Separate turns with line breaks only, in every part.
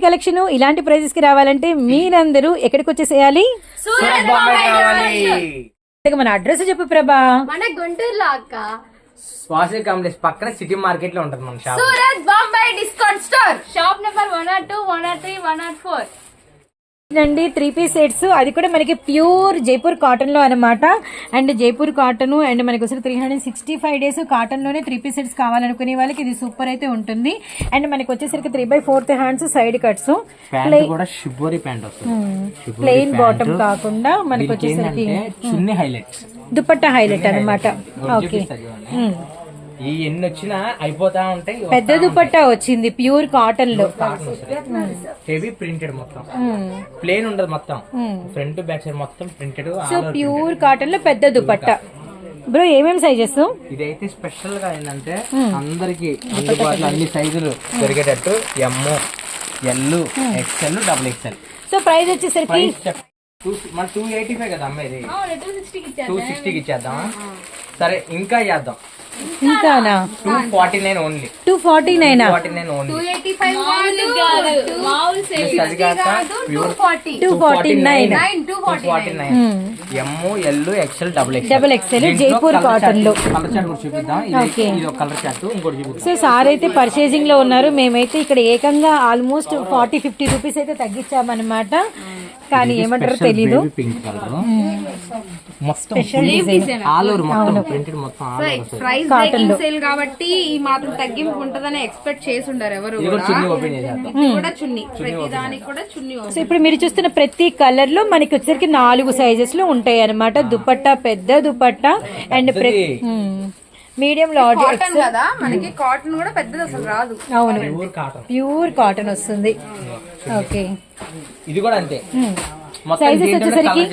Collection ఇలాంటి prices కి రావాలంటే మీరందరూ ఎక్కడికి వచ్చేసేయాలి? మన అడ్రస్ చెప్పు ప్రభా.
మన గుంటూరులో అక్క
స్వాసి కాంప్లెక్స్ పక్కన సిటీ మార్కెట్ లో ఉంటది మన shop.
Surat Bombay discount store, shop number 102, 103, 104
అండి. 3 పీస్ సెట్స్, అది కూడా మనకి ప్యూర్ జైపూర్ కాటన్ లో అనమాట. అండ్ జైపూర్ కాటన్ అండ్ మనకి వచ్చి 365 days కాటన్ లోనే 3 పీస్ సెట్స్ కావాలనుకునే వాళ్ళకి ఇది సూపర్ అయితే ఉంటుంది. అండ్ మనకి వచ్చేసరికి 3/4 hands side cuts, plain bottom కాకుండా మనకి వచ్చేసరికి
చున్నీ హైలైట్,
దుపట్టా హైలైట్ అనమాట. ఓకే,
ఈ ఎన్ని వచ్చినా అయిపోతా ఉంటాయి.
పెద్ద దుపట్టా వచ్చింది ప్యూర్ కాటన్ లో,
హెవీ ప్రింటెడ్, మొత్తం ప్లేన్ ఉండదు, మొత్తం ఫ్రంట్ బ్యాక్ సైడ్ మొత్తం ప్రింటెడ్.
సో ప్యూర్ కాటన్ లో పెద్ద దుపట్టా. బ్రో ఏమేమి సైజెస్?
ఇదైతే స్పెషల్ గా ఏంటంటే అందరికి అందుబాటులో అన్ని సైజులు దొరికేటట్టు M, L, XL, XXL.
So price వచ్చేసరికి
మన 285 కదా అమ్మాయి, 260కి ఇచ్చేద్దాం. సరే ఇంకా చేద్దాం,
ఇంకానా?
249 ఓన్లీ.
249
ఓన్లీ.
285 మామూలు సేల్ కాదు,
249
M, L, XL,
XXL Jaipur cotton లో.
కలర్ చార్ట్ కూడా చూపిద్దాం. ఇది ఒక కలర్ చార్ట్, ఇంకోటి చూపిద్దాం.
సో సార్ అయితే పర్చేసింగ్ లో ఉన్నారు. మేమైతే ఇక్కడ ఏకంగా ఆల్మోస్ట్ 40-50 రూపీస్ అయితే తగ్గించామన్నమాట. కానీ ఏమంటారో తెలీదు.
పింక్ కలర్ మొత్తం ఆల్ ఓవర్ మొత్తం ప్రింటెడ్, మొత్తం
ప్రైస్ బ్రేకింగ్ సేల్ కాబట్టి ఈ మాత్రం తగ్గింపు ఉంటదని ఎక్స్పెక్ట్ చేసి ఉండరు ఎవరు.
చున్నీ ఓపెన్ చేసేద్దాం.
కూడా చున్నీ, ప్రతి దానికి కూడా చున్నీ.
సో ఇప్పుడు మీరు చూస్తున్న ప్రతి కలర్ లో మనకి వచ్చేసరికి 4 సైజెస్ లో ఉంటాయి అనమాట. దుపట్టా పెద్ద దుపట్టా అండ్ మీడియం లార్జ్
కదా, మనకి కాటన్ కూడా పెద్దది అసలు రాదు.
అవును, ప్యూర్ కాటన్ వస్తుంది. ఓకే,
ఇది కూడా అంతే.
సైజెస్ వచ్చేసరికి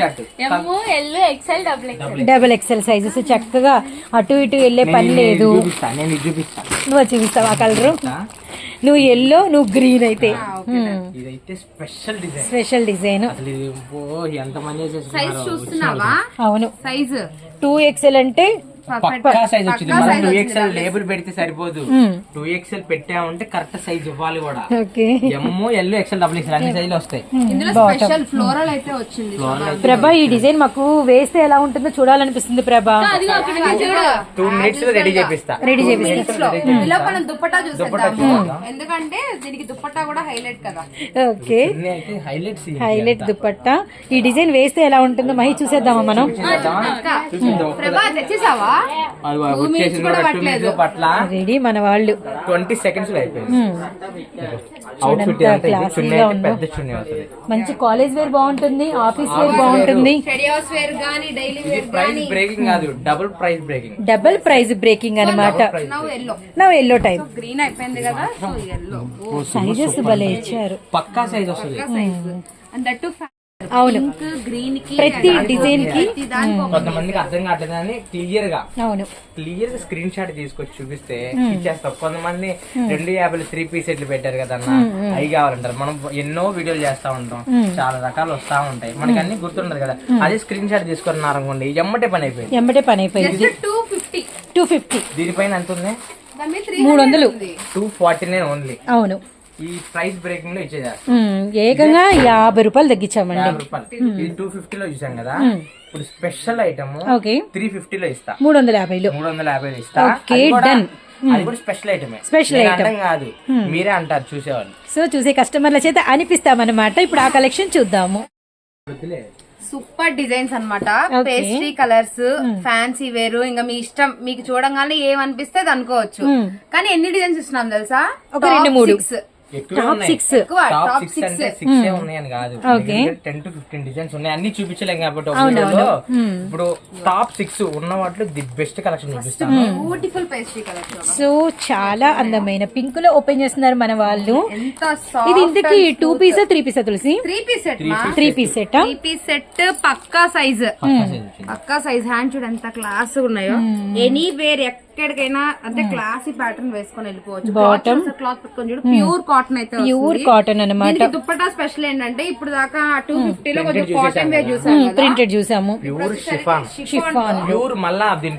XXL సైజెస్. చక్కగా అటు ఇటు వెళ్ళే పని లేదు. నువ్వు చూపిస్తావు ఆ కలర్, నువ్వు ఎల్లో, నువ్వు గ్రీన్. అయితే స్పెషల్ డిజైన్.
సైజ్ చూస్తున్నావా?
అవును,
సైజ్
2XL అంటే
పక్కా సైజ్ వచ్చింది. మనం 2XL లేబుల్ పెడితే సరిపోదు, 2XL పెట్టామంటే కరెక్ట్ సైజ్ ఇవ్వాలి కూడా. ఎమ్, ఎల్, XL, XXL అన్ని సైజులు వస్తాయి.
ఇందులో స్పెషల్ ఫ్లోరల్ అయితే వచ్చింది.
ప్రభా ఈ డిజైన్ మాకు వేస్తే ఎలా ఉంటుందో చూడాలనిపిస్తుంది ప్రభా.
2 minutes లో రెడీ చేపిస్తా.
ఇలా మనం దుపట్టా చూసేద్దాము, ఎందుకంటే దీనికి దుపట్టా కూడా హైలైట్ కదా.
Okay, highlight dupatta. ఈ డిజైన్ వేస్తే ఎలా ఉంటుందో మహి చూసేద్దామా మనం?
ప్రభా తెచ్చేసావా?
రెడీ మన వాళ్ళు.
20 seconds లో అయిపోయింది.
మంచి కాలేజ్ వేర్ బాగుంటుంది, ఆఫీస్ వేర్ బాగుంటుంది.
Double price breaking,
double price breaking అనమాట. నౌ ఎల్లో టైప్
గ్రీన్ అయిపోయింది కదా.
సైజెస్ భలే ఇచ్చారు,
పక్కా సైజ్ వస్తుంది.
అవును, ప్రతి డిజైన్ కి
కొంతమందికి అర్థం కావట్లేదని క్లియర్ గా స్క్రీన్ షాట్ తీసుకొచ్చి చూపిస్తే ఇచ్చేస్తాం. కొంతమంది 250 3 పీస్ సెట్లు పెట్టారు కదా అన్న, అవి కావాలంటారు. మనం ఎన్నో వీడియోలు చేస్తా ఉంటాం, చాలా రకాలు వస్తా ఉంటాయి, మనకి అన్ని గుర్తుండదు కదా. అదే స్క్రీన్ షాట్ తీసుకున్నారు అనుకోండి, ఎమ్మటే పని అయిపోయింది. 250 దీనిపైన ఎంత ఉంది?
300,
249 ఓన్లీ.
అవును,
ఈ ప్రైస్ బ్రేకింగ్ లో ఇచ్చేదారు.
ఏకంగా 50 రూపాయలు తగ్గించామండి.
50 250 లో చూసాం కదా. ఇప్పుడు స్పెషల్ ఐటమ్ 350 లో ఇస్తా, 350 ఇస్తా. అది కూడా స్పెషల్ ఐటమే, స్పెషల్ ఐటమ్ కాదు, మీరే అంటారు చూసేవాళ్ళు.
సో చూసే కస్టమర్ల చేత అనిపిస్తామన్నమాట. ఇప్పుడు ఆ కలెక్షన్ చూద్దాము.
సూపర్ డిజైన్స్ అన్నమాట, పేస్ట్రీ కలర్స్, ఫ్యాన్సీ వేరు, ఇంకా మీ ఇష్టం, మీకు చూడంగానే ఏమనిపిస్తే అది అనుకోవచ్చు. కానీ ఎన్ని డిజైన్స్ ఇస్తున్నాం తెలుసా?
ఒక 2-3 టాప్ 6
అంటే 6 ఉన్నాయని కాదు, 10 to 15 డిజైన్స్ ఉన్నాయి. అన్ని చూపించలేం కాబట్టి ఇప్పుడు టాప్ 6 ఉన్న వాటిలో ది బెస్ట్ కలెక్షన్ చూపిస్తాను.
Beautiful pastry collection.
సో చాలా అందమైన పింక్ లో ఓపెన్ చేస్తున్నారు మన వాళ్ళు. ఇది ఇంతకి 2 piece 3 piece Tulasi?
3 piece set.
3 piece set,
3 piece set పక్కా సైజ్. హ్యాండ్ చూడు ఎంత క్లాస్ ఉన్నాయో. ఎనీవేర్ ఎక్కడికైనా అంటే క్లాసీ ప్యాటర్న్ వేసుకొని వెళ్ళిపోవచ్చు. బాటమ్ క్లాత్ పెట్టుకొని చూడు, ప్యూర్ కాటన్ అయితే,
ప్యూర్ కాటన్ అన్నమాట.
దుపట్టా స్పెషల్ ఏంటంటే ఇప్పుడు దాకా 250 లో కొంచెం కాటన్ వేర్ చూసాము,
ప్రింటెడ్ చూసాము.
Pure chiffon,
chiffon
pure. మళ్ళా దీంట్లో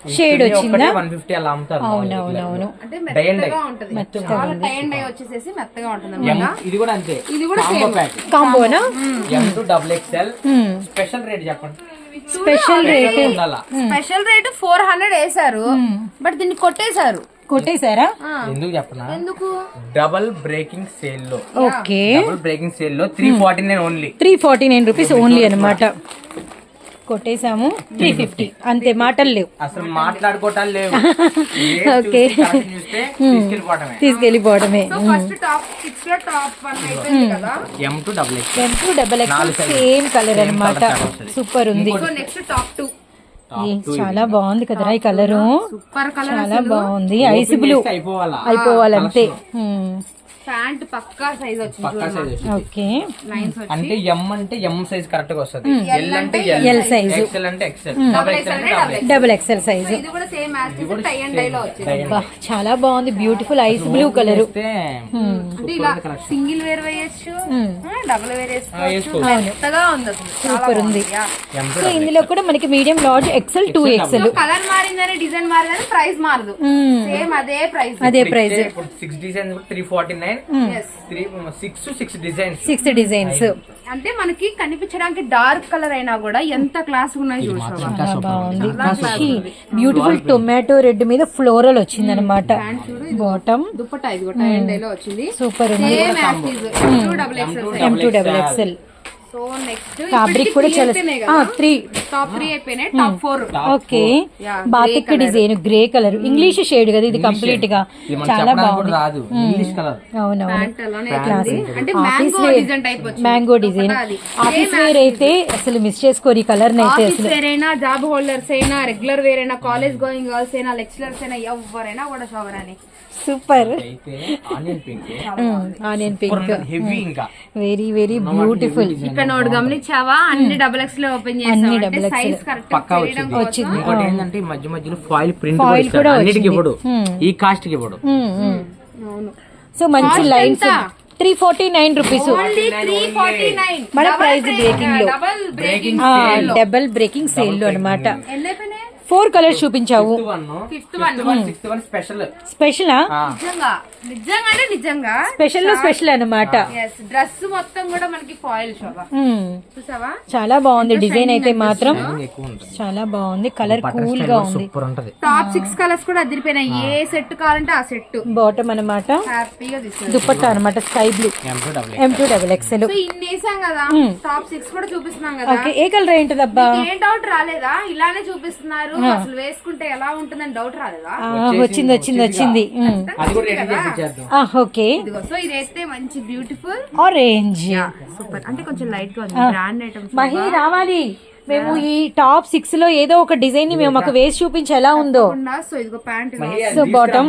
షేడ్ వచ్చిందా
150 అలా అమ్ముతారు.
అవునవునవును
అంటే
Dye and
మెత్తగా
dye.
ఉంటది, చాలా టై అండ్ డై వచ్చేసేసి మెత్తగా ఉంటుంది అన్నమాట.
ఇది కూడా అంతే,
ఇది కూడా
కాంబో ప్యాక్.
కాంబోనా
M2 XXL. స్పెషల్ రేట్ చెప్పండి.
స్పెషల్ రేట్
ఉండాలా?
స్పెషల్ రేట్ 400 వేసారు, బట్ దీన్ని కొట్టేశారు.
కొట్టేశారా
ఎందుకు చెప్పనా,
ఎందుకు?
డబుల్ బ్రేకింగ్ సేల్ లో,
ఓకే
డబుల్ బ్రేకింగ్ సేల్ లో 349 ఓన్లీ.
349 రూపీస్ ఓన్లీ అనమాట. కొట్టేసాము 350 అంతే, మాటలు లేవు
అసలు మాట్లాడుకోవటాలు లేవు.
ఓకే.
చూస్తే తీసుకెళ్ళిపోవటమే.
తీసుకెళ్లిపోవడమే.
సో ఫస్ట్ టాప్ 6 లో టాప్ 1 అయిపోయింది కదా.
M2 XXL.
M2 same colour అన్నమాట. సూపర్ ఉంది.
So next top 2.
చాలా బాగుంది కదరా ఈ కలరు,
సూపర్ కలర్.
చాలా బాగుంది. ఐస్ బ్లూ
అయిపోవాలా?
అయిపోవాలంతే.
ప్యాంట్ పక్కా సైజ్ వచ్చింది.
పక్కా సైజ్ వచ్చింది.
ఓకే
లైన్స్ వచ్చి
అంటే M అంటే M సైజ్ కరెక్ట్ గా వస్తుంది, L అంటే
L size.
XL అంటే XL, డబుల్ XL అంటే double XL.
Double XL size.
ఇది కూడా same as tie and dye లో వచ్చింది.
చాలా బాగుంది, బ్యూటిఫుల్ ఐస్ బ్లూ కలర్.
చూస్తే
అంటే ఇలా సింగిల్ వేర్ వేయచ్చు, డబుల్ వేర్ వేసుకోవచ్చు.
వేసుకోవచ్చు.
మెత్తగా ఉంది అసలు,
సూపర్ ఉంది.
M2
సో ఇందులో కూడా మనకి medium, large, XL, 2XL.
Colour మారిందని డిజైన్ మారిందని ప్రైస్ మారదు, సేమ్ అదే ప్రైస్.
అదే ప్రైస్.
ఇప్పుడు 6 డిజైన్స్ 349, 6 డిజైన్స్,
6 డిజైన్స్.
అంటే మనకి కనిపించడానికి డార్క్ కలర్ అయినా కూడా ఎంత క్లాస్ ఉన్నాయి చూసావా.
చాలా బాగుంది. బ్యూటిఫుల్ టొమాటో రెడ్ మీద ఫ్లోరల్ వచ్చింది అనమాట. బాటమ్
దుప్పటా ఇది కూడా టై అండ్ డై లో వచ్చింది.
సూపర్ ఉంది.
Same as M2
M2 XXL.
So next
fabric కూడా చాలా 3
టాప్ 3 అయిపోయినాయి, top 4.
Okay. Batik design, grey colour, English shade కదా ఇది కంప్లీట్ గా. చాలా బాగుంది.
రాదు ఇంగ్లీష్ కలర్.
అవునవును.
ప్యాంట్ అలానే ఉంది. అంటే మ్యాంగో డిజైన్ టైప్ వచ్చింది.
Mango design. ఆఫీస్ వేర్ అయితే అసలు మిస్ చేసుకోరు ఈ కలర్ అయితే
ఆఫీస్
అసలు.
వేర్ అయినా, జాబ్ హోల్డర్స్ అయినా, రెగ్యులర్ వేర్ అయినా, కాలేజ్ గోయింగ్ గర్ల్స్ అయినా, లెక్చరర్స్ అయినా, ఎవరైనా కూడా షవర్ అని.
సూపర్.
అయితే onion pink,
onion pink,
heavy, ఇంకా
వెరీ వెరీ బ్యూటిఫుల్.
ఇక్కడ నోట్ గమనించావా, అన్ని డబుల్ ఎక్స్ లో ఓపెన్ చేసాం, సైజ్ కరెక్ట్
పక్కా వచ్చింది. ఇంకోటి ఏంటంటే ఈ మధ్య మధ్యలో ఫాయిల్ ప్రింట్ కూడా అన్నిటికి ఇవ్వడు, ఈ కాస్ట్ కి ఇవ్వడు.
సో మంచి లైన్స్. 349 రూపీస్
ఓన్లీ 349
మన ప్రైస్ బ్రేకింగ్ లో, డబుల్ బ్రేకింగ్ సేల్ లో అనమాట.
ఎన్ని అయిపోయినాయి?
4 కలర్స్ చూపించావు.
Fifth one
special.
స్పెషలా?
నిజంగా నిజంగా అంటే నిజంగా
స్పెషల్ లో స్పెషల్ అనమాట.
డ్రెస్ మొత్తం కూడా మనకి ఫాయిల్ శోభ చూసావా.
చాలా బాగుంది డిజైన్ అయితే మాత్రం,
ఎక్కువ ఉంటుంది.
చాలా బాగుంది. కలర్ కూల్ గా ఉంది.
సూపర్ ఉంటది.
టాప్ 6 కలర్స్ కూడా అదిరిపోయినాయి. ఏ సెట్ కావాలంటే ఆ సెట్.
బాటమ్ అనమాట,
హ్యాపీగా తీసుకోవచ్చు.
దుపట్టా అనమాట sky blue, M2 XXL.
So ఇన్ని వేసాం కదా, టాప్ 6 కూడా చూపిస్తున్నాం కదా.
ఓకే. ఏ కలర్ ఏంటదబ్బా?
ఏం డౌట్ రాలేదా? ఇలానే చూపిస్తున్నారు, అసలు వేసుకుంటే ఎలా ఉంటుందని డౌట్ రాలేదా?
వచ్చింది వచ్చింది వచ్చింది.
అది కూడా రెడీ చేసేద్దాం.
ఓకే.
ఇదిగో సో ఇదైతే మంచి బ్యూటిఫుల్
ఆరెంజ్,
సూపర్. అంటే కొంచెం లైట్ గా ఉంది, బ్రాండ్ ఐటమ్స్.
మహి రావాలి. మేము ఈ టాప్ 6 లో ఏదో ఒక డిజైన్ ని మేము మాకు వేసి చూపించి ఎలా ఉందో.
సో ఇదిగో ప్యాంట్,
సో బాటమ్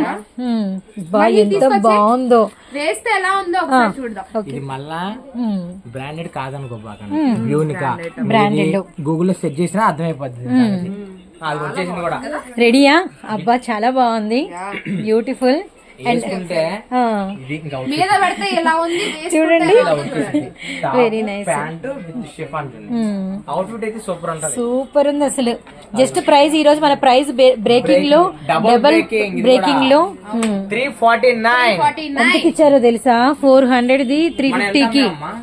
ఎంత బాగుందో,
వేస్తే ఎలా ఉందో ఒకసారి చూద్దాం.
ఇది మళ్ళా బ్రాండెడ్ కాదనుకో, బాగా యూనికా
బ్రాండెడ్.
గూగుల్ లో సెర్చ్ చేసినా అర్థమైపోతుంది. అది వచ్చేసింది కూడా.
రెడీయా? అబ్బా చాలా బాగుంది, బ్యూటిఫుల్.
వేసుకుంటే ఇది ఇంకా
మీద పెడితే ఎలా ఉంది
చూడండి,
ఇలా వచ్చేసింది.
Very nice.
Pant with chiffon ఉంటుంది. అవుట్ఫిట్ అయితే సూపర్ ఉంటది.
సూపర్ ఉంది అసలు. జస్ట్ ప్రైస్ ఈ రోజు మన ప్రైస్ బ్రేకింగ్ లో, డబుల్ బ్రేకింగ్ లో
349.
ఎంతకి ఇచ్చారో తెలుసా? 400 ది 350 కి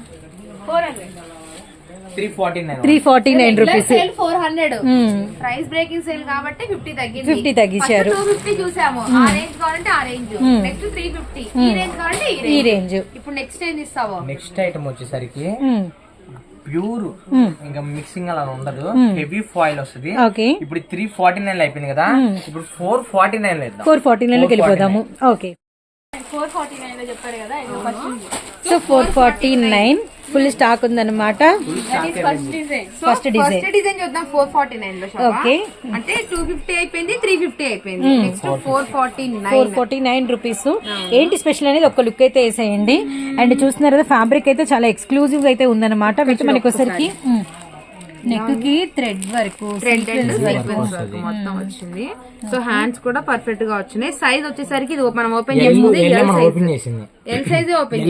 349 రూపీస్.
400 ప్రైస్ బ్రేకింగ్ సేల్ కాబట్టి 50 తగ్గింది.
50 తగ్గించారు.
250 చూసాము. ఆ రేంజ్ కావాలంటే ఆ రేంజ్, నెక్స్ట్ 350. ఈ రేంజ్ కావాలంటే
ఈ రేంజ్.
ఇప్పుడు నెక్స్ట్ ఏం ఇస్తావో?
నెక్స్ట్ ఐటమ్ వచ్చేసరికి ప్యూర్, ఇంకా మిక్సింగ్ అలా ఉండదు, హెవీ ఫాయిల్ వస్తుంది.
ఓకే.
ఇప్పుడు 349 అయిపోయింది కదా, ఇప్పుడు 449 లేదు.
449 లోకి వెళ్ళిపోదాము. ఓకే.
449 లో చెప్పారు కదా,
సో 449 ఫుల్ స్టాక్ ఉందన్నమాట.
ఫస్ట్ డిజైన్ చూద్దాం. 449 లో
ఓకే.
అంటే 250 అయిపోయింది, 350 అయిపోయింది, నెక్స్ట్
449 రూపీస్. ఏంటి స్పెషల్ అనేది ఒక లుక్ అయితే వేసేయండి. అండ్ చూస్తున్నారు కదా, ఫ్యాబ్రిక్ అయితే చాలా ఎక్స్క్లూజివ్ అయితే ఉందన్నమాట. విత్ మనకి వచ్చరికి నెక్ కి థ్రెడ్ వర్క్
మొత్తం వచ్చింది. సో హ్యాండ్స్ కూడా పర్ఫెక్ట్ గా వచ్చినాయి. సైజ్ వచ్చేసరికి ఇది మనం ఓపెన్ చేసింది ఎల్ సైజ్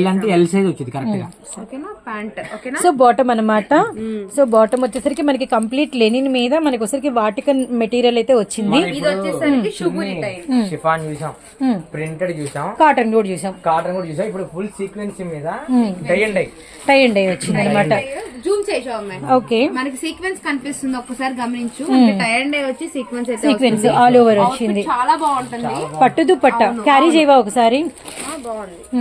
ఓకేనా. ప్యాంట్ ఓకేనా.
సో బాటమ్ అన్నమాట. సో బాటమ్ వచ్చేసరికి మనకి కంప్లీట్ లెనిన్ మీద మనకి వచ్చేసరికి వాటికన్ మెటీరియల్ అయితే వచ్చింది.
ఇది వచ్చేసరికి షుగూరి టైప్
షిఫాన్ చూసాం, ప్రింటెడ్ చూసాం,
కాటన్ కూడా చూసాం.
ఇప్పుడు ఫుల్ సీక్వెన్స్ మీద
టై అండ్ డై వచ్చింది అనమాట.
జూమ్ చేసాం అమ్మాయి.
ఓకే
మనకి సీక్వెన్స్ కనిపిస్తుంది, ఒక్కసారి గమనించు. టై అండ్ డై వచ్చి సీక్వెన్స్ అయితే
సీక్వెన్స్ ఆల్ ఓవర్ వచ్చింది.
చాలా బాగుంటుంది.
పట్టు దుపట్ట క్యారీ చేయవా ఒకసారి.
బాగుంది.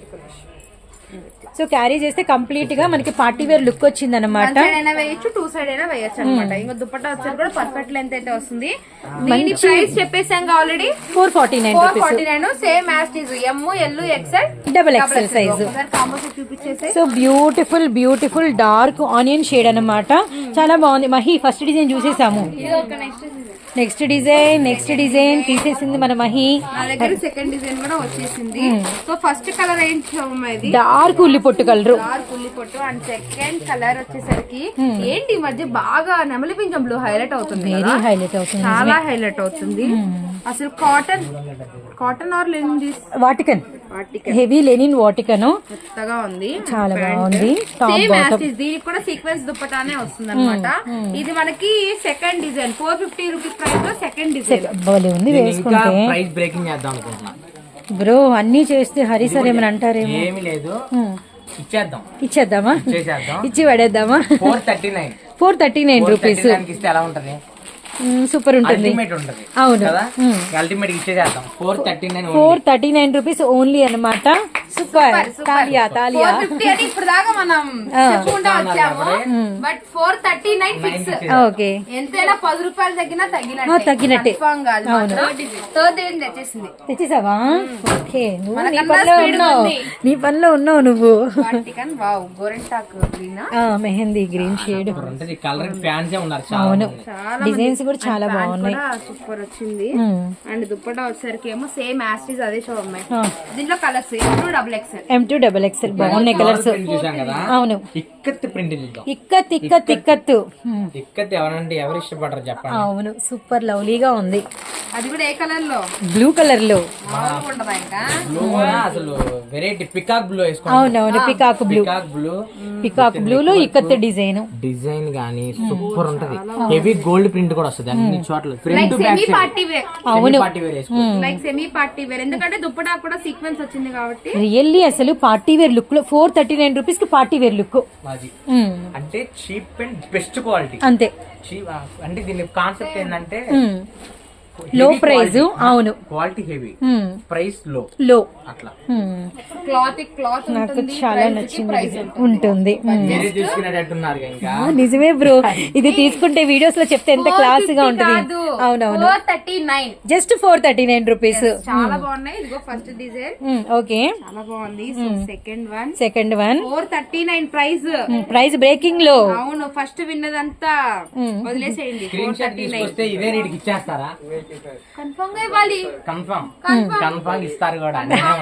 సో క్యారీ చేస్తే కంప్లీట్ గా మనకి పార్టీ వేర్ లుక్ వచ్చింది అనమాట.
అయినా వేయచ్చు, టూ సైడ్ అయినా వేయచ్చు అనమాట. ఇంకా దుపట్టా వచ్చేది కూడా పర్ఫెక్ట్ లెంత్ అయితే వస్తుంది. దీని ప్రైస్ చెప్పేసాం already 449. Same as it is M L XL
double XL size.
చూపించేసి
so beautiful dark onion shade అన్నమాట. చాలా బాగుంది. మహి ఫస్ట్ డిజైన్ చూసేసాము. నెక్స్ట్ డిజైన్ తీసేసింది మన మహి.
నా దగ్గర సెకండ్ డిజైన్ కూడా వచ్చేసింది. సో ఫస్ట్ కలర్ ఏంటి,
డార్క్ ఉల్లి పొట్టు కలర్.
డార్క్ ఉల్లి పొట్టు. అండ్ సెకండ్ కలర్ వచ్చేసరికి ఏంటి ఈ మధ్య బాగా నెమలి పింఛం బ్లూ హైలైట్ అవుతుంది.
వెరీ హైలైట్ అవుతుంది,
చాలా హైలైట్ అవుతుంది. అసలు కాటన్ ఆర్ లెనిన్
వాటికన్ హెవీ లెనిన్ వాటికన్
కొత్తగా ఉంది.
చాలా బాగుంది.
దీనికి కూడా సీక్వెన్స్ దుప్పటానే వస్తుంది అనమాట. ఇది మనకి సెకండ్ డిజైన్ 450 రూపీస్ ప్రైస్ లో సెకండ్ డిజైన్.
బాగా ఉంది వేసుకుంటే.
ప్రైస్ బ్రేకింగ్ చేద్దాం అనుకుంటున్నా
బ్రో. అన్ని చేస్తే హరి సార్ ఏమని అంటారేమో.
ఏమీ లేదు,
ఇచ్చేద్దామా, ఇచ్చి పడేద్దామా. 439 రూపీస్
ఇస్తే ఎలా ఉంటది,
సూపర్ ఉంటుంది. అవును,
అల్టిమేట్ ఇచ్చేద్దాం.
439 రూపీస్ ఓన్లీ అనమాట. సూపర్. తాలియా
ఇప్పుడు దాకా మనం చెప్పుకుంటా వచ్చాము. But 439 fix.
ఓకే,
ఎంతైనా 10 రూపాయలు తగ్గినట్టే. థర్డ్ డిజైన్
తెచ్చేసావా? ఓకే, నీ పనిలో ఉన్నావు నువ్వు. Mehndi green shade. అవును, డిజైన్స్ కూడా చాలా బాగున్నాయి.
సూపర్ వచ్చింది. అండ్ దుప్పటా వచ్చేసరికి ఏమో సేమ్ యాస్టీస్ అదే షో అమ్మాయి. దీంట్లో కలర్స్
M2 డబుల్ ఎక్స్ఎల్ బాగున్నాయి కలర్స్. అవును, ఇక్కత్
ఎవరంటే ఎవరు ఇష్టపడరు చెప్పండి.
అవును, సూపర్ లవ్లీగా ఉంది.
అది కూడా ఏ కలర్ లో,
బ్లూ కలర్ లో.
అసలు వెరైటీ పికాక్ బ్లూ
అవునవును, పికాక్ బ్లూ లో ఇక్కత్ డిజైన్
గానీ సూపర్ ఉంటది. హెవీ గోల్డ్ ప్రింట్ కూడా వస్తుంది అన్ని చోట్ల.
అవును,
లైక్ సెమీ పార్టీ వేర్. ఎందుకంటే దుప్పటా కూడా సీక్వెన్స్ వచ్చింది కాబట్టి
రియల్లీ అసలు పార్టీ వేర్ లుక్ లో 439 రూపీస్ కి పార్టీ వేర్ లుక్.
అంటే చీప్ అండ్ బెస్ట్ క్వాలిటీ.
అంతే.
అంటే దీని కాన్సెప్ట్ ఏంటంటే
లో ప్రైస్. అవును,
క్వాలిటీ హెవీ, ప్రైస్
లో
అట్లా.
క్లాత్
నాకు చాలా నచ్చింది. ఉంటుంది, నిజమే బ్రో. ఇది తీసుకుంటే వీడియోస్ లో చెప్తే ఎంత క్లాస్ గా ఉంటుంది. అవునవును, జస్ట్ 439 రూపీస్.
చాలా బాగున్నాయి. ఇదిగో ఫస్ట్ డిజైన్.
ఓకే,
చాలా బాగుంది.
సెకండ్ వన్
439
ప్రైస్ బ్రేకింగ్ లో.
అవును, ఫస్ట్ విన్నదంతా వదిలేసేయండి.
ఇదే రేటుకి ఇచ్చేస్తారా?
కన్ఫర్మ్ గా ఇవ్వాలి.
కన్ఫర్మ్ ఇస్తారు కూడా.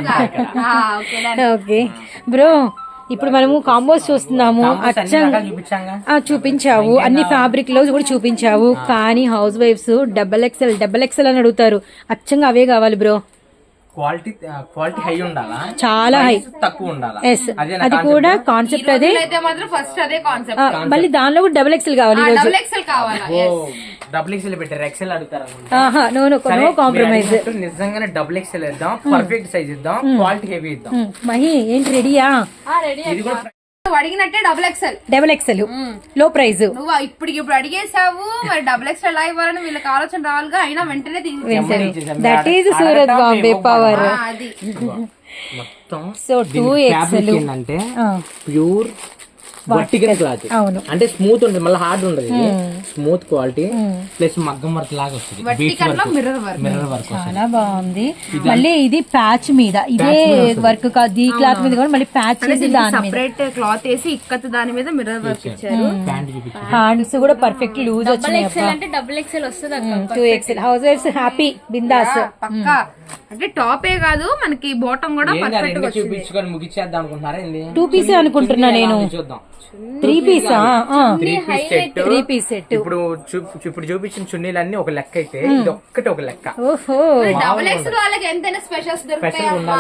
ఓకే బ్రో, ఇప్పుడు మనము కాంబోస్ చూస్తున్నాము. చూపించావు అన్ని ఫ్యాబ్రిక్ లో కూడా చూపించావు. కానీ హౌస్ వైఫ్స్ డబల్ ఎక్స్ఎల్ అని అడుగుతారు. అచ్చంగా అవే కావాలి బ్రో.
క్వాలిటీ హై ఉండాలా,
చాలా హై,
తక్కువ ఉండాలా.
అది కూడా కాన్సెప్ట్ అదే. మళ్ళీ దానిలో కూడా డబల్ ఎక్స్ఎల్ కావాలి.
డబుల్ ఎక్స్ఎల్ పెట్టారు, ఎక్స్ఎల్ అడుగుతారు.
No compromise.
నిజంగానే డబుల్ ఎక్స్ఎల్ ఇద్దాం, పర్ఫెక్ట్ సైజ్ ఇద్దాం, క్వాలిటీ హెవీ ఇద్దాం.
మహి ఏంటి రెడీయా?
ఇది కూడా
అడిగినట్టే డబుల్ ఎక్స్ఎల్
లో ప్రైస్.
నువ్వు ఇప్పుడు అడిగేసావు, మరి డబుల్ ఎక్స్ఎల్ ఎలా ఇవ్వాలని వీళ్ళకి ఆలోచన రావాలిగా. అయినా వెంటనే
that is Surat Bombay power.
మొత్తం
సో 2XL
అంటే ప్యూర్ వర్టికల్ క్లాత్.
అవును,
అంటే స్మూత్ ఉంటుంది, మళ్ళీ హార్డ్ ఉండదు. స్మూత్ క్వాలిటీ ప్లస్ మగ్గం వర్క్ లాగా వస్తుంది.
మిర్రర్
వర్క్
చాలా బాగుంది. మళ్ళీ ఇది ప్యాచ్ మీద, ఇదే వర్క్ కాదు, ఈ క్లాత్ మీద కూడా మళ్ళీ ప్యాచ్
సెపరేట్ క్లాత్ వేసి ఇక్కత్ దాని మీద మిర్రర్ వర్క్ ఇచ్చారు.
హ్యాండ్స్ కూడా పర్ఫెక్ట్ లూజ్ వచ్చినాయి.
డబుల్ ఎక్స్ఎల్ వస్తుంది.
2XL హౌస్ వైఫ్స్ హ్యాపీ బిందాస్.
పక్కా అంటే టాపే కాదు మనకి బాటమ్ కూడా
ఏంది ఆ
పర్ఫెక్ట్
రెండు
గా వచ్చింది.
చూపించుకొని ముగిచ్చేద్దాం అనుకుంటున్నారా ఏంది?
2 పీసే అనుకుంటున్నా నేను.
చూద్దాం
3 పీసా?
3 పీస్ సెట్.
3 piece set.
ఇప్పుడు చూపించిన చున్నీలన్నీ ఒక లెక్క అయితే ఇది ఒక్కటి ఒక లెక్క.
ఓహో,
డబుల్ ఎక్స్ వాళ్ళకి ఎంతైనా స్పెషల్స్ దొరుకుతాయి అమ్మా.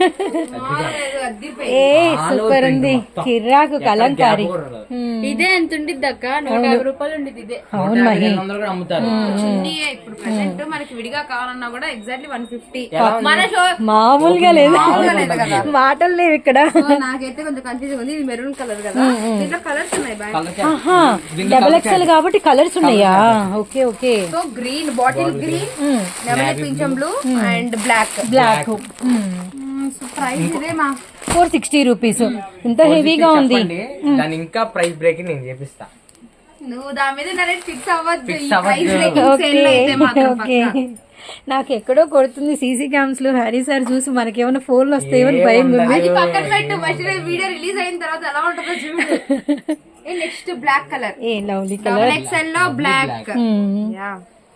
ఏ సూపర్ ఉంది, కిర్రాకు కలంకారీ.
ఇదే ఎంత ఉండిద్ది అక్క? 150 రూపాయలు ఉండిద్ది ఇదే.
అవును మహి,
200 కూడా అమ్ముతారు.
చున్నీయే ఇప్పుడు ప్రెసెంట్ మనకి విడిగా కావాలన్నా కూడా ఎగ్జాక్ట్లీ 150.
ఎలా ఉంది?
మన షో
మామూలుగా లేదు,
లేదు కదా.
మాటలు లేవు ఇక్కడ.
నాకైతే కొంచెం కన్ఫ్యూజన్ ఉంది. ఇది మెరూన్ కలర్ కదా, దీంట్లో కలర్స్ ఉన్నాయి బాయ్.
ఆహా, డబల్ ఎక్స్ఎల్ కాబట్టి కలర్స్ ఉన్నాయా? Okay okay.
So green, bottle green, నెమలి పింఛం blue and black.
Black.
So price ఇదే మా
460 రూపీస్. ఇంత హెవీగా ఉంది.
చెప్పండి, దాని ఇంకా ప్రైస్ బ్రేకింగ్ నేను చేపిస్తా.
నువ్వు దాని మీద డైరెక్ట్ ఫిక్స్ అవ్వద్దు.
Fix
ఈ
అవ్వద్దు.
ప్రైస్ రేటింగ్ సేల్ అయితే మాత్రం
ఓకే.
పక్కా.
నాకు ఎక్కడో కొడుతుంది సీసీ క్యామ్స్ లో. హరి సార్ చూసి మనకేమైనా ఫోన్లు వస్తాయేమని భయం ఉంది.
అది పక్కన పెట్టు, ఫస్ట్ వీడియో రిలీజ్ అయిన తర్వాత ఎలా ఉంటుందో చూడు. Next black colour,
a lovely
double
colour.
XL లో బ్లాక్. యా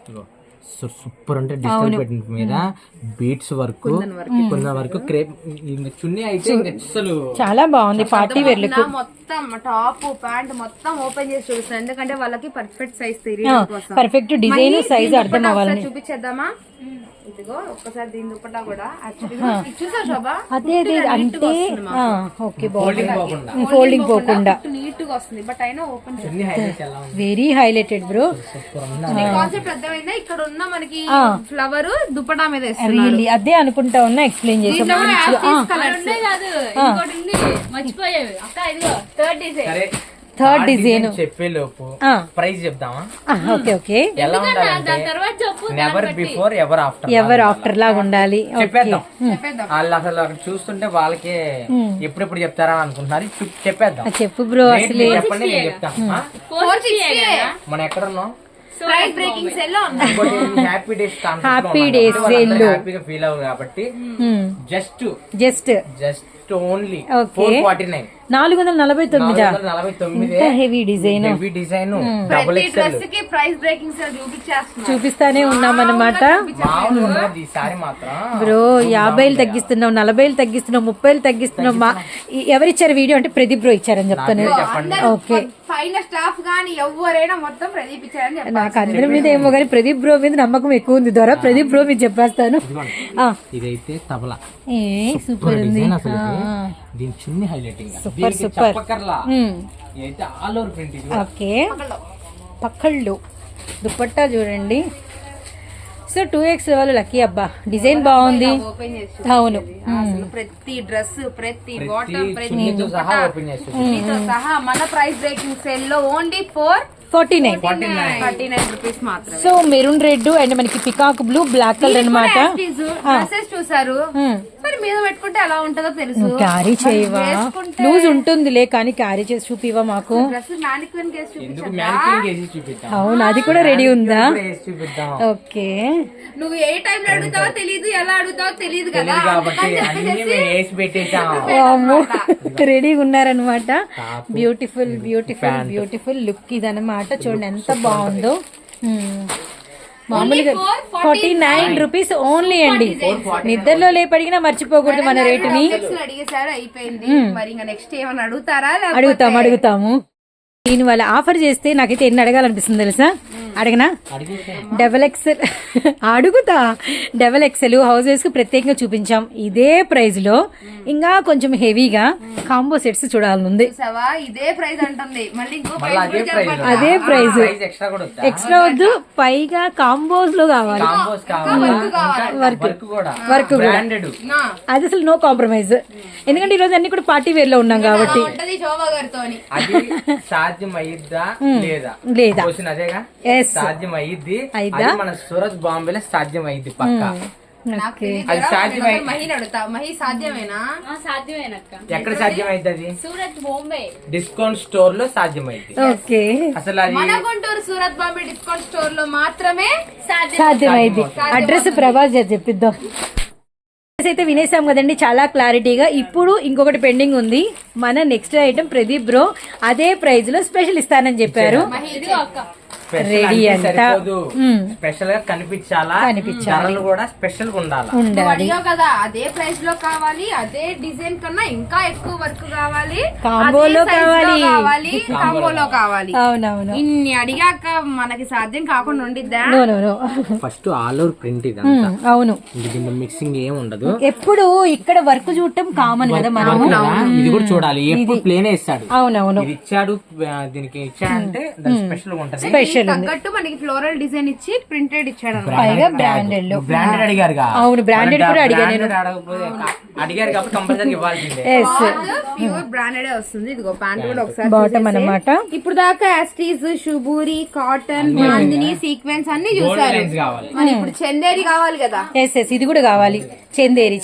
సూపర్ అంటే డిజిటల్ ప్రింట్ మీద బీట్స్ వర్క్, కొంత వరకు క్రేప్. చున్నీ అయితే ఇంకా అసలు
చాలా బాగుంది పార్టీ వేర్ లుక్.
మొత్తం టాప్ ప్యాంట్ మొత్తం ఓపెన్ చేసి చూపిస్తాను, ఎందుకంటే వాళ్ళకి పర్ఫెక్ట్ సైజ్ తెలియడం కోసం.
పర్ఫెక్ట్ డిజైన్ సైజ్ అర్థం అవ్వాలని.
చూపించేద్దామా? ఇదిగో ఒక్కసారి దీని దుపట్టా కూడా చూసా శోభా,
అదే అదే అంటే ఓకే,
ఫోల్డింగ్ పోకుండా
ఫోల్డింగ్ పోకుండా
నీట్ గా వస్తుంది. బట్ అయినా ఓపెన్
చున్నీ హైలైట్ ఎలా ఉంది?
Very highlighted bro.
సూపర్ ఉంది.
కాన్సెప్ట్ అర్థమైందా? ఇక్కడ ఉన్న మనకి ఫ్లవర్ దుపట్టా మీద వేస్తున్నారు.
రియల్లీ అదే అనుకుంటా ఉన్నా, ఎక్స్ప్లెయిన్ చేసాం.
కలర్స్
కాదు, ఇంకోటి ఉంది మర్చిపోయేవి అక్క. ఇదిగో థర్డ్ డిజైన్.
సరే,
థర్డ్ డిజైన్
చెప్పే లోపు ప్రైస్ చెప్దామా?
Okay okay.
ఎలా ఉండాలంటే
తర్వాత చెప్పు.
Never before ever after.
Ever after లాగా ఉండాలి.
చెప్పేద్దాం. వాళ్ళు అసలు అక్కడ చూస్తుంటే వాళ్ళకి ఎప్పుడెప్పుడు చెప్తారా అని అనుకుంటున్నారు. చెప్పేద్దాం.
చెప్పు బ్రో.
రేట్
అసలు
మీరు చెప్పండి, నేను చెప్తాను.
460.
మనం ఎక్కడున్నాం?
ప్రైస్ బ్రేకింగ్ సేల్ లో ఉన్నాం.
Happy days
happy days sale లో
హ్యాపీగా ఫీల్ అవ్వదు కాబట్టి just
just
just only
Okay.
449.
449. Heavy design
heavy design double
ప్రతి
ఎక్స్ఎల్.
డ్రెస్ కి ప్రైస్ బ్రేకింగ్ సేల్ చూపించేస్తున్నాం.
చూపిస్తానే ఉన్నామన్నమాట.
మామూలు ఉన్నది ఈసారి మాత్రం.
బ్రో 50 తగ్గిస్తున్నాం, 40 తగ్గిస్తున్నాం, 30 తగ్గిస్తున్నాం. ఎవరిచ్చారు వీడియో అంటే ప్రదీప్ బ్రో ఇచ్చారని చెప్తాను. ఓకే,
పైన స్టాఫ్ గానీ ఎవరైనా మొత్తం ప్రదీప్ ఇచ్చారని చెప్పాలి.
నాకు అందరి మీద ఏమో కానీ ప్రదీప్ బ్రో మీద నమ్మకం ఎక్కువ ఉంది. ద్వారా ప్రదీప్ బ్రో మీద చెప్పేస్తాను.
ఇదైతే తబలా
ఏ సూపర్ ఉంది.
డిజైన్ అసలు దీని చున్నీ హైలైటింగ్
సూపర్ సూపర్.
చెప్పకర్లా. ఇదైతే ఆల్ ఓవర్ ప్రింట్. ఇది
ఓకే, పక్కళ్ళు దుపట్టా చూడండి. సో 2X వాళ్ళు లక్కీ అబ్బా, డిజైన్ బాగుంది.
ఓపెన్ చేసి
అవును,
అసలు ప్రతి డ్రెస్, ప్రతి బాటమ్, ప్రతి
చున్నీతో సహా ఓపెన్ చేసి
చున్నీతో సహా మన ప్రైస్ బ్రేకింగ్ సేల్ లో ఓన్లీ
49
రూపీస్ మాత్రమే.
సో మెరూన్ రెడ్ అండ్ మనకి పికాక్ బ్లూ బ్లాక్ కలర్ అనమాట.
డ్రెస్సెస్ చూసారు, మరి మీద పెట్టుకుంటే ఎలా ఉంటుందో తెలుసు.
క్యారీ చేయవా? లూజ్ ఉంటుందిలే కానీ క్యారీ చేసి చూపివా మాకు.
డ్రెస్ మ్యానిక్విన్ కేసు
ఎందుకు మ్యానిక్విన్ చేసి చూపిద్దాం.
అవును, అది కూడా రెడీ ఉందా?
వేసి చూపిద్దాం.
ఓకే,
నువ్వు ఏ టైం లో అడుగుతావో తెలియదు, ఎలా అడుగుతావో తెలియదు కదా.
తెలియదు కాబట్టి అన్ని మేము వేసి పెట్టేసాం.
రెడీగా ఉన్నారనమాట. బ్యూటిఫుల్ బ్యూటిఫుల్ బ్యూటిఫుల్ లుక్ ఇదనమాట. చూడండి ఎంత బాగుందో. మామూలుగా 49 రూపీస్ ఓన్లీ అండి. నిద్రలో లేపడిగినా మర్చిపోకూడదు మన రేటుని.
అడిగేసారు, అయిపోయింది. మరి ఇంకా నెక్స్ట్ ఏమైనా అడుగుతారా?
అడుగుతాము. దీని వల్ల ఆఫర్ చేస్తే నాకైతే ఎన్ని అడగాలనిపిస్తుంది తెలుసా? అడగనా? డబల్ ఎక్సెల్ అడుగుతా. డబల్ ఎక్సెల్ హౌసెస్ కు ప్రత్యేకంగా చూపించాం. ఇదే ప్రైస్ లో ఇంకా కొంచెం హెవీగా కాంబో సెట్స్ చూడాలనుంది.
ఇదే ప్రైస్ అంటుంది, మళ్ళీ ఇంకో
అదే ప్రైస్.
ఎక్స్ట్రా కూడా
ఎక్స్ట్రా వద్దు, పైగా కాంబోస్ లో కావాలి.
కాంబోస్ కావాలి. వర్క్ కూడా
వర్క్ కూడా
బ్రాండెడ్.
అది అసలు నో కాంప్రమైజ్. ఎందుకంటే ఈ రోజు అన్ని కూడా పార్టీ వేర్ లో ఉన్నాం కాబట్టి.
శోభా గారితో
అది సాధ్యం అయ్యిద్దా లేదా?
లేదా
క్వశ్చన్ అదేగా. సాధ్యం అయ్యిద్ది. అది మన సూరత్ బాంబేలో సాధ్యం అయ్యిద్ది పక్కా. అది సాధ్యం
మహిళ అడుగుతా, మహి సాధ్యమేనా?
సాధ్యమేనక్క.
ఎక్కడ సాధ్యం అయ్యిద్ది? అది
సూరత్ బాంబే
డిస్కౌంట్ స్టోర్ లో సాధ్యం అయ్యిద్ది.
ఓకే,
అసలు అది
మన గుంటూరు సూరత్ బాంబే డిస్కౌంట్ స్టోర్ లో మాత్రమే
సాధ్యమైంది. అడ్రస్ ప్రభాస్ చెప్పిద్దాం. అయితే వినేసాం కదండి చాలా క్లారిటీగా. ఇప్పుడు ఇంకొకటి పెండింగ్ ఉంది. మన నెక్స్ట్ ఐటమ్ ప్రదీప్ బ్రో అదే ప్రైస్ లో స్పెషల్ ఇస్తానని చెప్పారు. రెడీ అంతా
స్పెషల్ గా కనిపించాలా, ధరలు కూడా స్పెషల్ గా ఉండాలి.
నువ్వు అడిగావు కదా, అదే ప్రైస్ లో కావాలి, అదే డిజైన్ కన్నా ఇంకా ఎక్కువ వర్క్ కావాలి,
కాంబోలో
కావాలి, కాంబోలో కావాలి.
అవునవును.
ఇన్ని అడిగాక మనకి సాధ్యం కాకుండా ఉండిద్దా?
ఫస్ట్ ఆల్ ఓవర్ ప్రింట్ ఇది,
అవును.
మిక్సింగ్ ఏం ఉండదు.
ఎప్పుడు ఇక్కడ వర్క్ చూడటం కామన్ కదా మనం.
ఇది కూడా చూడాలి, ఎప్పుడు ప్లేనే ఇస్తాడు.
అవునవును,
ఇది ఇచ్చాడు, దీనికి ఇచ్చాడంటే దాని స్పెషల్ ఉంటది.
స్పెషల్
తగ్గట్టు మనకి ఫ్లోరల్ డిజైన్ ఇచ్చి ప్రింటెడ్ ఇచ్చాడు.
పైగా బ్రాండెడ్ లో.
బ్రాండెడ్ అడిగారు.
అవును, బ్రాండెడ్ కూడా అడిగాను నేను.
అడిగారు కాబట్టి కంపల్సరీ ఇవ్వాల్సిందే.
ప్యూర్ బ్రాండెడ్ వస్తుంది. ఇదిగో ప్యాంట్ కూడా ఒకసారి
బాటమ్ అన్నమాట.
ఇప్పుడు దాకా యాస్టీస్, షుబూరి, కాటన్, బాందిని, సీక్వెన్స్ అన్ని చూసారు. మరి ఇప్పుడు చందేరి కావాలి కదా.
ఎస్ ఇది కూడా కావాలి. చందేరి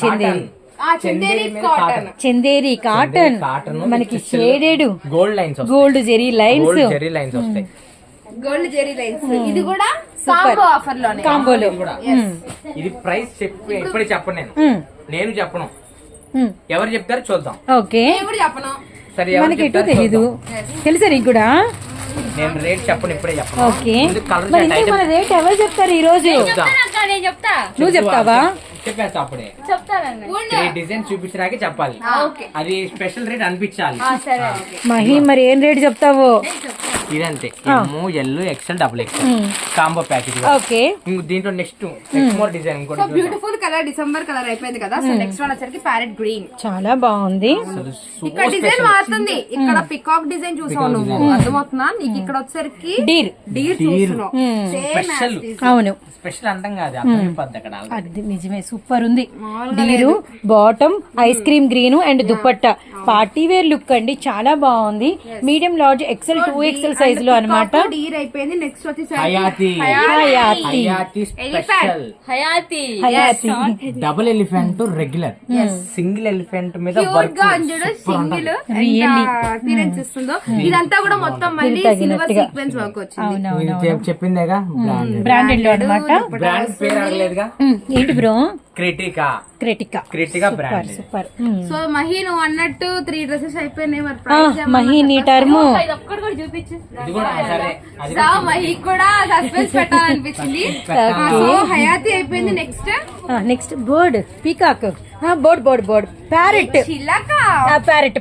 కాటన్ మనకి shaded
gold lines,
gold zari lines
వస్తాయి.
Gold zari lines. ఇది కూడా కాంబో ఆఫర్ లోనే,
కాంబోలో.
ఇది ప్రైస్ చెప్పి ఇప్పుడే చెప్పను, నేను చెప్పను. ఎవరు చెప్తారో చూద్దాం.
ఓకే,
ఇప్పుడు చెప్పను.
సరే,
మనకి ఎటు తెలీదు. తెలుసా నీకు కూడా?
నేను రేట్ చెప్పను, ఇప్పుడే చెప్పను.
ఓకే, మరి ఇంతకు మన రేట్ ఎవరు చెప్తారు ఈ రోజు?
నేను చెప్తా.
నువ్వు చెప్తావా?
చెప్పేస్తా అప్పుడే.
చెప్తానండి.
3 డిజైన్ చూపించడానికి చెప్పాలి. అది స్పెషల్ రేట్ అనిపించాలి.
మహి, మరి ఏం రేట్ చెప్తావు?
ఇదంతే, L XL double XL combo package.
Okay,
దీంట్లో next more design
so beautiful colour, December colour అయిపోయింది కదా. సో నెక్స్ట్ వన్ వచ్చరికి ప్యారెట్ గ్రీన్.
చాలా బాగుంది.
ఇక్కడ డిజైన్ మారుతుంది. ఇక్కడ పికాక్ డిజైన్ చూసావు నువ్వు, అర్థమవుతుందా నీకు? ఇక్కడ వచ్చరికి డీర్ చూస్తున్నావు.
స్పెషల్.
అవును,
స్పెషల్ అంటాం కాదు, అర్థమైపోద్ది అక్కడ.
అది నిజమే, సూపర్ ఉంది. Deer, bottom, ice cream green and దుపట్టా. పార్టీ వేర్ లుక్ అండి, చాలా బాగుంది. Medium, large, XL, 2XL size లో అన్నమాట.
డీర్ అయిపోయింది. నెక్స్ట్ వచ్చేసి
Hayati special,
Hayati
double elephant regular, single elephant మీద వర్క్
సింగిల్ అపీరెన్స్ ఇస్తుందో. ఇదంతా కూడా మొత్తం మళ్ళీ సిల్వర్ సీక్వెన్స్ వర్క్ వచ్చింది.
చెప్పిందేగా,
బ్రాండెడ్ లో అన్నమాట.
బ్రాండ్ పేరు అడగలేదుగా.
ఏంటి bro?
Kritika brand.
Super.
So Mahi, నువ్వు అన్నట్టు 3 డ్రెస్సెస్ అయిపోయినాయి. మరి
మహి నీ టర్మ్
ఒక్కటి కూడా చూపించు.
ఇది కూడా సరే,
మహి కూడా సస్పెన్స్ పెట్టాలనిపించింది. సో హయాతి అయిపోయింది.
Next bird, peacock, board, parrot,
చిలక,
parrot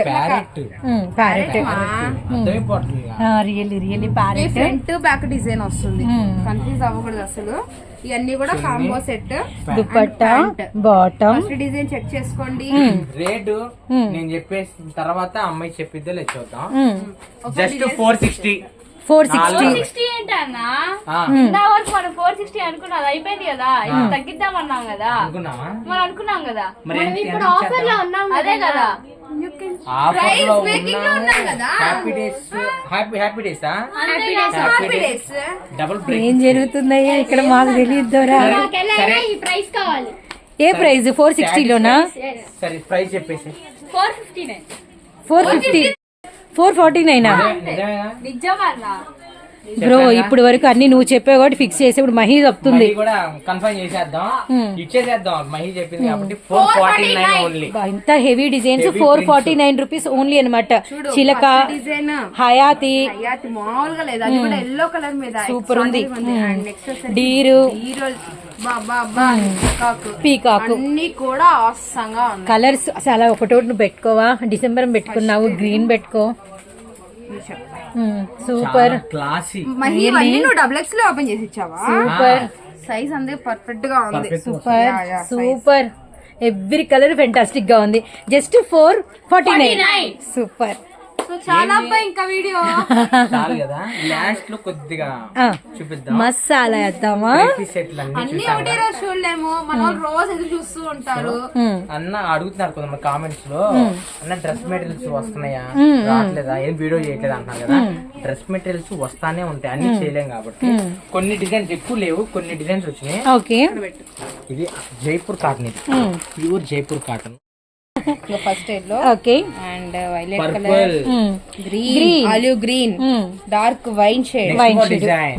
really parrot.
Front back design వస్తుంది. కన్ఫ్యూజ్ అవ్వకూడదు అసలు. ఇవన్నీ కూడా కాంబో సెట్.
దుపట్టా, బాటమ్.
ఫస్ట్ డిజైన్ చెక్ చేసుకోండి.
రేటు నేను చెప్పేసిన తర్వాత అమ్మాయి చెప్పిద్దో లేదు చూద్దాం. జస్ట్ 460.
460 ఏంటన్నా? నా వరకు మనం 460 అనుకున్నా, అది అయిపోయింది కదా. ఇప్పుడు తగ్గిద్దాం అన్నాం కదా, మనం అనుకున్నాం కదా. మనం ఇప్పుడు ఆఫర్ లో ఉన్నాం, అదే కదా.
ఏం జరుగుతుందయ్యా ఇక్కడ? మాకు తెలియద్దురా.
ఈ ప్రైస్ కావాలి.
ఏ ప్రైస్? 460 లోనా?
సరే, ప్రైస్ చెప్పేసి
459.
450, 449.
నిజమన్నా
బ్రో, ఇప్పుడు వరకు అన్ని నువ్వు చెప్పావు కాబట్టి ఫిక్స్ చేసి ఇప్పుడు మహి చెప్తుంది.
కూడా కన్ఫర్మ్ చేసేద్దాం, ఇచ్చేసేద్దాం. మహి చెప్పింది కాబట్టి 449 ఓన్లీ.
ఇంత హెవీ డిజైన్స్ 449 రూపీస్ ఓన్లీ అనమాట. చిలక,
డిజైన్
హయాతి
మామూలుగా లేదు, అది కూడా ఎల్లో కలర్ మీద
సూపర్ ఉంది.
నెక్స్ట్
డీరు, పీకాక్,
అన్ని కూడా అవసరంగా ఉన్నాయి.
కలర్స్ అసలు ఒకటోటి నువ్వు పెట్టుకోవా? డిసెంబర్ పెట్టుకున్నావు, గ్రీన్ పెట్టుకో. Super
classy.
నువ్వు XXL లో ఓపెన్ చేసి ఇచ్చావా?
సూపర్
సైజ్ అందే పర్ఫెక్ట్ గా ఉంది.
సూపర్. ఎవ్రీ కలర్ ఫెంటాస్టిక్ గా ఉంది. జస్ట్ 449. సూపర్.
సో చాలా ఇంకా వీడియో
చాలు కదా. లాస్ట్ లో కొద్దిగా చూపిద్దాం.
మసాలా వేద్దామా?
అన్ని ఒకటే రోజు చూడలేము, మనం రోజు ఎదురు చూస్తూ ఉంటారు.
అన్న అడుగుతున్నారు కొంతమంది కామెంట్స్ లో, అన్న డ్రెస్ మెటీరియల్స్ వస్తున్నాయా, రావట్లేదా, ఏం వీడియో చేయట్లేదు అంటున్నారు కదా. డ్రెస్ మెటీరియల్స్ వస్తానే ఉంటాయి, అన్ని చేయలేం కాబట్టి. కొన్ని డిజైన్స్ ఎక్కువ లేవు, కొన్ని డిజైన్స్ వచ్చినాయి.
ఓకే,
ఇది జైపూర్ కాటన్, ఇది pure Jaipur cotton.
First yellow,
okay,
and violet colour, green, olive green, dark wine shade,
design.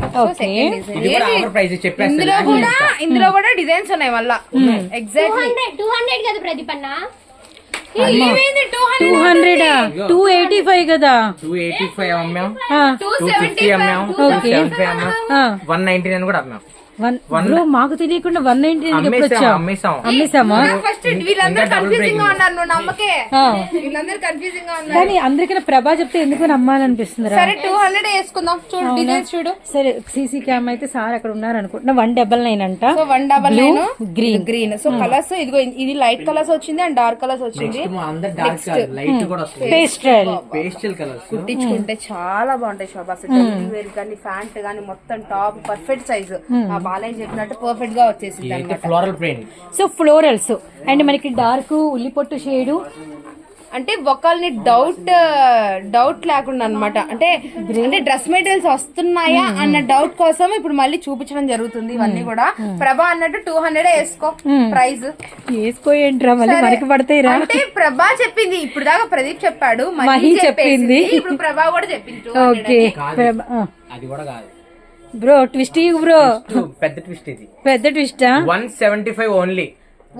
ఇందులో కూడా డిజైన్స్ ఉన్నాయి మళ్ళా. ఎగ్జాక్ట్లీ
200 కదా ప్రదీప్ అన్న.
200 285 కదా.
285 అమ్మాం,
ఆ,
250 అమ్మాం, 275 అమ్మాం, 199 కూడా అమ్మాం.
బ్రో మాకు తెలియకుండా 190 ఎప్పుడు వచ్చావు? అమ్మేసామా?
ఫస్ట్ వీళ్ళందరూ కన్ఫ్యూజింగ్ గా ఉన్నారు, నువ్వు నమ్మకే. వీళ్ళందరూ కన్ఫ్యూజింగ్ గా ఉన్నారు.
కానీ అందరికన్నా ప్రభా చెప్తే ఎందుకు నమ్మాలనిపిస్తుంది రా.
సరే 200 వేసుకుందాం. చూడు డిజైన్స్ చూడు.
సరే సీసీ క్యామ్ అయితే సార్ అక్కడ ఉన్నారు అనుకుంటున్నా. 199 అంట.
So 199
green
green. So colours ఇదిగో, ఇది లైట్ కలర్స్ వచ్చింది అండ్ డార్క్ కలర్స్ వచ్చింది.
లైట్ కూడా వస్తుంది,
పేస్టల్
కలర్స్.
కుట్టించుకుంటే చాలా బాగుంటాయి శోభ. అసలు వేర్ కానీ ప్యాంట్ కానీ మొత్తం టాప్ పర్ఫెక్ట్ సైజ్. ఆ బాలయ్య చెప్పినట్టు పర్ఫెక్ట్ గా వచ్చేసింది అన్నమాట.
Floral print.
So florals and మనకి డార్క్ ఉల్లిపొట్టు షేడు.
అంటే ఒకళ్ళని డౌట్ లేకుండా అన్నమాట. అంటే డ్రెస్ మెటీరియల్స్ వస్తున్నాయా అన్న డౌట్ కోసం ఇప్పుడు మళ్ళీ చూపించడం జరుగుతుంది. ఇవన్నీ కూడా ప్రభా అన్నట్టు 200 వేసుకో ప్రైస్.
వేసుకోయంట్రా మళ్ళీ మనకి పడతాయిరా.
అంటే ప్రభా చెప్పింది, ఇప్పుడు దాకా ప్రదీప్ చెప్పాడు,
మహి చెప్పింది,
ఇప్పుడు ప్రభా కూడా చెప్పింది.
ఓకే
అది కూడా కాదు
బ్రో. ట్విస్ట్ బ్రో,
పెద్ద ట్విస్ట్ ఇది.
పెద్ద ట్విస్టా?
175 ఓన్లీ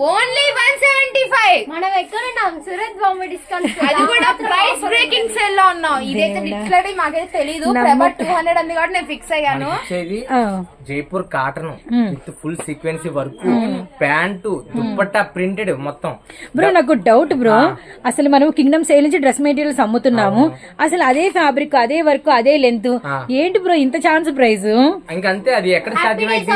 175.
మనం ఎక్కడ ఉన్నాం? సూరత్ బాంబే డిస్కౌంట్.
అది కూడా ప్రైస్ బ్రేకింగ్ సేల్ లో ఉన్నాం. ఇదైతే లిటరల్లీ మాకైతే తెలీదు. ప్రభా 200 అంది కాబట్టి నేను ఫిక్స్ అయ్యాను.
జైపూర్ కాటన్ విత్ ఫుల్ సీక్వెన్సీ వర్క్, ప్యాంటు, దుప్పట్టా ప్రింటెడ్ మొత్తం.
బ్రో నాకు డౌట్ బ్రో, అసలు మనం కింగ్డమ్ సేల్ నుంచి డ్రెస్ మెటీరియల్స్ అమ్ముతున్నాము, అసలు అదే ఫ్యాబ్రిక్, అదే వర్క్, అదే లెంత్, ఏంటి బ్రో ఇంత ఛాన్స్ ప్రైస్?
ఇంకంతే, అది ఎక్కడ సాధ్యమైంది?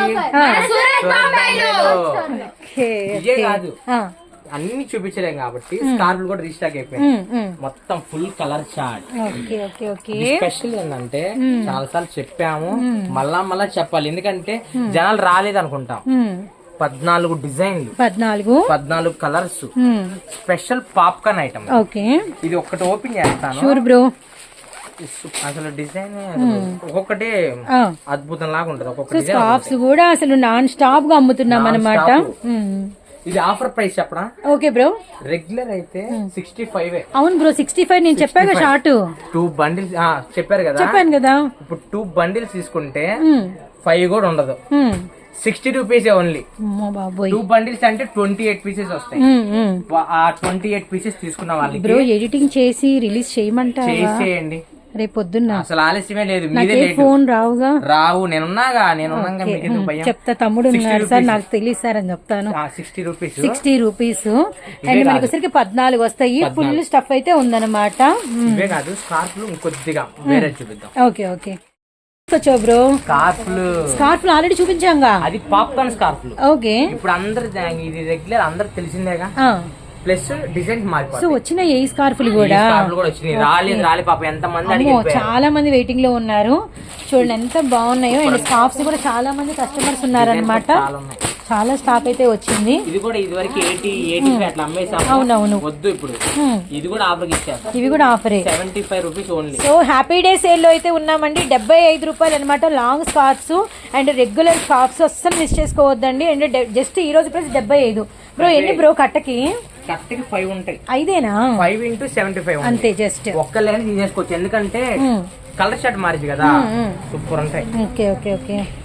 ఇదే కాదు, అన్ని చూపించలేం కాబట్టి స్కార్ఫ్ కూడా రీస్టాక్ అయిపోయింది. మొత్తం ఫుల్ కలర్ చార్ట్. స్పెషల్ ఏంటంటే చాలా సార్లు చెప్పాము, మళ్ళా చెప్పాలి, ఎందుకంటే జనాలు రాలేదు అనుకుంటాం. 14 డిజైన్లు, 14 కలర్స్, స్పెషల్ పాప్కార్న్ ఐటమ్. ఇది ఒక్కటి ఓపెన్ చేస్తాను
బ్రో.
అసలు డిజైన్ ఒక్కొక్కటి అద్భుతం లాగా ఉంటది. ఒక్కొక్క
స్కార్ఫ్స్ కూడా అసలు నాన్ స్టాప్ గా అమ్ముతున్నాం అన్నమాట.
ఇది ఆఫర్ ప్రైస్ చెప్పరా?
Okay bro.
రెగ్యులర్ అయితే 65.
అవును బ్రో 65 నేను చెప్పాగా షార్ట్
2 బండిల్స్ చెప్పాను కదా. ఇప్పుడు 2 బండిల్స్ తీసుకుంటే 5 కూడా ఉండదు, 60 రూపీస్ ఓన్లీ. 2 బండిల్స్ అంటే 28 పీసెస్ వస్తాయి. ఆ 28 పీసెస్ తీసుకున్న వాళ్ళకి
బ్రో ఎడిటింగ్ చేసి రిలీజ్ చేయమంటారా?
చేసేయండి
రేపు పొద్దున్న.
అసలు ఆలస్యమే లేదు, మీదే
ఫోన్ రావుగా.
రావు, నేనున్నాగా.
చెప్తా, తమ్ముడు ఉన్నారు సార్ నాకు తెలియదు సార్ అని చెప్తాను.
60 రూపీస్
60 రూపీస్ అండ్ మనకి వచ్చరికి 14 వస్తాయి. ఫుల్ స్టఫ్ అయితే ఉందన్నమాట.
ఇవే కాదు, స్కార్ఫ్లు ఇంకొద్దిగా వేరే చూపిద్దాం.
Okay bro. స్కార్ఫ్లు ఆల్రెడీ చూపించాంగా,
అది పాప్కార్న్ స్కార్ఫ్లు.
ఓకే,
ఇప్పుడు అందరు ఇది రెగ్యులర్ అందరు తెలిసిందేగా, ప్లస్ డిజైన్
సో వచ్చిన ఏ స్కార్ఫ్లు కూడా
రాలే పాప, ఎంత మంది
చాలా మంది వెయిటింగ్ లో ఉన్నారు. చూడండి ఎంత బాగున్నాయో. అండ్ స్కార్ఫ్స్ కూడా చాలా మంది కస్టమర్స్ ఉన్నారనమాట. చాలా స్టాక్ అయితే వచ్చింది.
ఇది కూడా ఇదివరకు 80 అట్లా అమ్మేసాము.
అవునవును,
వద్దు ఇప్పుడు ఇది కూడా ఆఫర్ ఇచ్చారు.
ఇవి కూడా ఆఫరే,
75 rupees only.
So happy day sale లో అయితే ఉన్నామండి. 75 రూపాయలు అనమాట long scarves and regular scarves. అస్సలు మిస్ చేసుకోవద్దండి. అండ్ జస్ట్ ఈ రోజు ప్రైస్ 75. బ్రో ఎన్ని బ్రో కట్టకి?
5 ఉంటాయి.
5ఏనా?
5 into 75
అంతే. జస్ట్
ఒక్క లైన్ తీసేసుకోవచ్చు, ఎందుకంటే కలర్ షర్ట్ మారింది కదా, సూపర్ ఉంటాయి.
ఓకే